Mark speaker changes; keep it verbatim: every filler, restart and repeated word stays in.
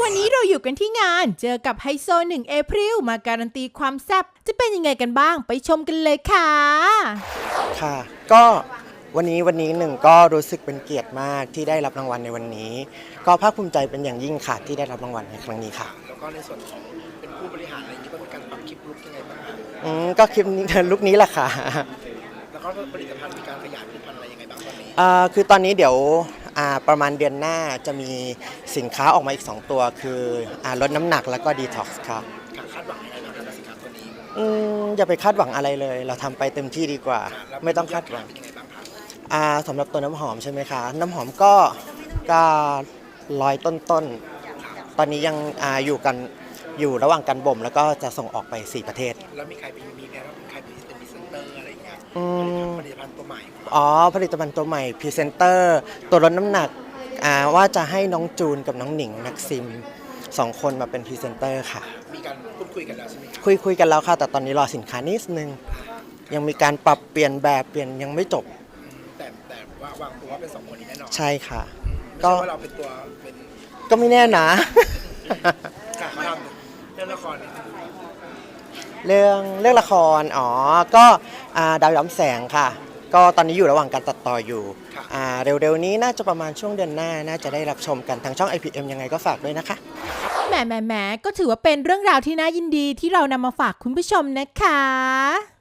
Speaker 1: วันนี้เราอยู่กันที่งานเจอกับไฮโซหนึ่งเอพริลมาการันตีความแซ่บจะเป็นยังไงกันบ้างไปชมกันเลยค่ะ
Speaker 2: ค่ะก็วันนี้วันนี้หนึ่งก็รู้สึกเป็นเกียรติมากที่ได้รับรางวัลในวันนี้ก็ภาคภูมิใจเป็นอย่างยิ่งค่ะที่ได้รับรางวัลในครั้งนี้ค่ะ
Speaker 3: แล้วก็ในส่วนของเป็นผู้บริหารอะไรอย่างนี้ก็มีการปรับคลิปลุกยังไงบ้างครับ
Speaker 2: อืมก็คลิปนี้ลุคนี้แหละค่ะ
Speaker 3: แล้วก็ผลิตภัณฑ์มีการขยายผลิตภัณฑ์อะไรยังไงบ้างตอนนี้
Speaker 2: อ่าคือตอนนี้เดี๋ยวอ่าประมาณเดือนหน้าจะมีสินค้าออกมาอีกสองตัวคืออ่าลดน้ำหนักแล้วก็ดีท็อกซ์ค่ะ
Speaker 3: คาดหวังยังไงบ้างครับกับสินค้าตัวนี้
Speaker 2: อืมอย่าไปคาดหวังอะไรเลยเราทำไปเต็มที่ดีกว่าไม่ต้องคาดหวัง
Speaker 3: เป็นยังไงบ้างครับ
Speaker 2: อ่าสำหรับตัวน้ำหอมใช่ไหมคะน้ำหอมก็ก็ร้อยต้นๆตอนนี้ยังอ่าอยู่กันอยู่ระหว่างการบ่มแล้วก็จะส่งออกไปสี่ประเทศ
Speaker 3: แล้วมีใครเป็นมีแนวว่าใครเป็นเป็นพรีเซนเตอร์อะไรอย่างเงี้ย
Speaker 2: อืม
Speaker 3: ผลิตภัณฑ์ตัวใหม่
Speaker 2: อ๋อผลิตภัณฑ์ตัวใหม่พรีเซนเตอร์ตัวลดน้ำหนักอ่าว่าจะให้น้องจูนกับน้องหนิงนักซิมสองคนมาเป็นพรีเซนเตอร์ค่ะ
Speaker 3: มีการพูดคุยกันแล้วใช่ไหมครับ
Speaker 2: คุยคุยกันแล้วค่ะแต่ตอนนี้รอสินค้านิดนึงยังมีการปรับเปลี่ยนแบบเปลี่ยนยังไม่จบ
Speaker 3: แต่แต่ว่าวางตัวว่าเป็นสองคนนี้แน่นอน
Speaker 2: ใช่ค่ะ
Speaker 3: ก็ว่าเราเป็นตัวเป็น
Speaker 2: ก็ไม่แน่นะ
Speaker 3: การทำเรื่องละคร
Speaker 2: เรื่องเรื่องละครอ๋อก็ดาวย้ำแสงค่ะก็ตอนนี้อยู่ระหว่างการตัดต่ออยู่เร็วๆนี้น่าจะประมาณช่วงเดือนหน้าน่าจะได้รับชมกันทางช่อง ไอ พี เอ็ม ยังไงก็ฝากด้วยนะคะ
Speaker 1: แหมแหมแหมก็ถือว่าเป็นเรื่องราวที่น่ายินดีที่เรานำมาฝากคุณผู้ชมนะคะ